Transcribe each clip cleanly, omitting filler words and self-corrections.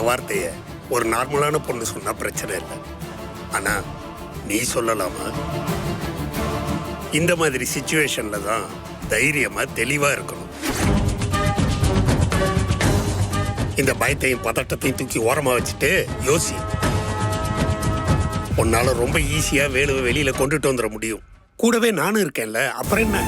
வார்த்தைய ஒரு நார்மலான பொண்ணு சொன்னா பிரச்சனை இல்லை. ஆனா நீ சொல்லலாமா? இந்த மாதிரி சிச்சுவேஷன்ல தான் தைரியமா தெளிவா இருக்கணும். இந்த பயத்தையும் பதட்டத்தையும் தூக்கி ஓரமா வச்சுட்டு யோசி. உன்னால ரொம்ப ஈஸியா வேலுவை வெளியில கொண்டுட்டு வந்துட முடியும். கூடவே நானும் இருக்கேன்ல, அப்புறம் என்ன?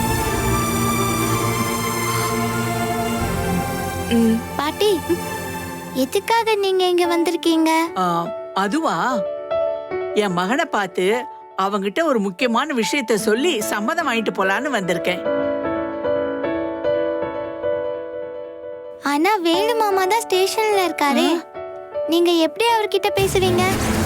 பாட்டி, எதுக்காக நீங்க இங்க வந்திருக்கீங்க? அதுவா, என் மகனை பார்த்து அவங்கிட்ட ஒரு முக்கியமான விஷயத்த சொல்லி சம்மதம் வாங்கிட்டு போலான்னு வந்திருக்கேன். ஆனா வேலு மாமா தான் ஸ்டேஷன்ல இருக்காரு. நீங்க எப்படி அவர்கிட்ட பேசுவீங்க?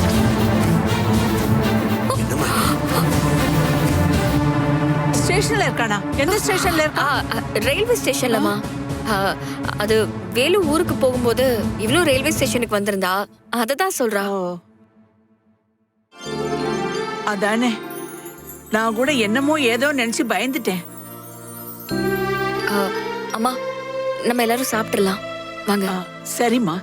ஸ்டேஷன்ல இருக்கானா? எந்த ஸ்டேஷன்ல இருக்கா? ரயில்வே ஸ்டேஷன்லமா. அது வேலு ஊருக்கு போகும்போது இவ்வளவு ரயில்வே ஸ்டேஷனுக்கு வந்திருந்தா அததான் சொல்றா. அதானே, நான் கூட என்னமோ ஏதோ நினைச்சு பயந்துட்டேன். அம்மா, நம்ம எல்லாரும் சாப்பிட்டுலாம் வாங்க. சரிம்மா.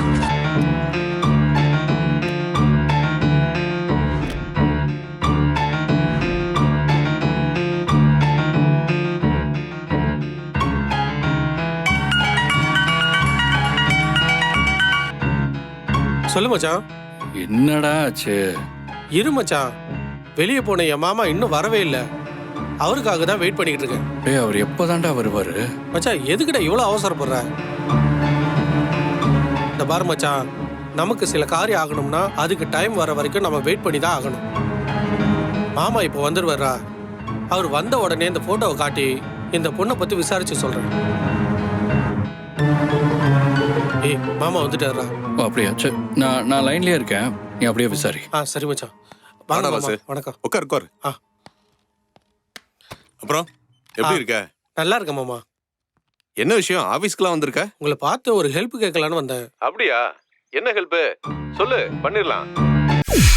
சொல்லு மச்சான். என்னடா ஆச்சு? இரு மச்சான், வெளியே போன என் மாமா இன்னும் வரவே இல்லை. அவருக்காக தான் வெயிட் பண்ணிக்கிட்டு இருக்கேன். டேய், அவர் எப்போதான்டா வருவாரு? மச்சான், எதுக்குடா இவ்வளோ அவசரப்படுற? இந்த பாரு மச்சான், நமக்கு சில காரியம் ஆகணும்னா அதுக்கு டைம் வர வரைக்கும் நம்ம வெயிட் பண்ணி தான் ஆகணும். மாமா இப்போ வந்துடுவாரா? அவர் வந்த உடனே இந்த போட்டோவை காட்டி இந்த பொண்ணை பத்தி விசாரிச்சு சொல்றேன். ஏய், மாமா வந்துட்டாரா? அப்படியா? சரி, நான் லைன்லயே இருக்கேன், நீ அப்படியே விசாரி. சரி மச்சான். வாங்க மாமா. வணக்கம். உட்கார். அப்புறம் எப்படி இருக்க? நல்லா இருக்க மாமா. என்ன விஷயம்? ஆபீஸ்க்குலாம் வந்திருக்க? உங்களை பார்த்து ஒரு ஹெல்ப் கேட்கலான்னு வந்தேன். அப்படியா? என்ன ஹெல்ப்? சொல்லு, பண்ணிடலாம்.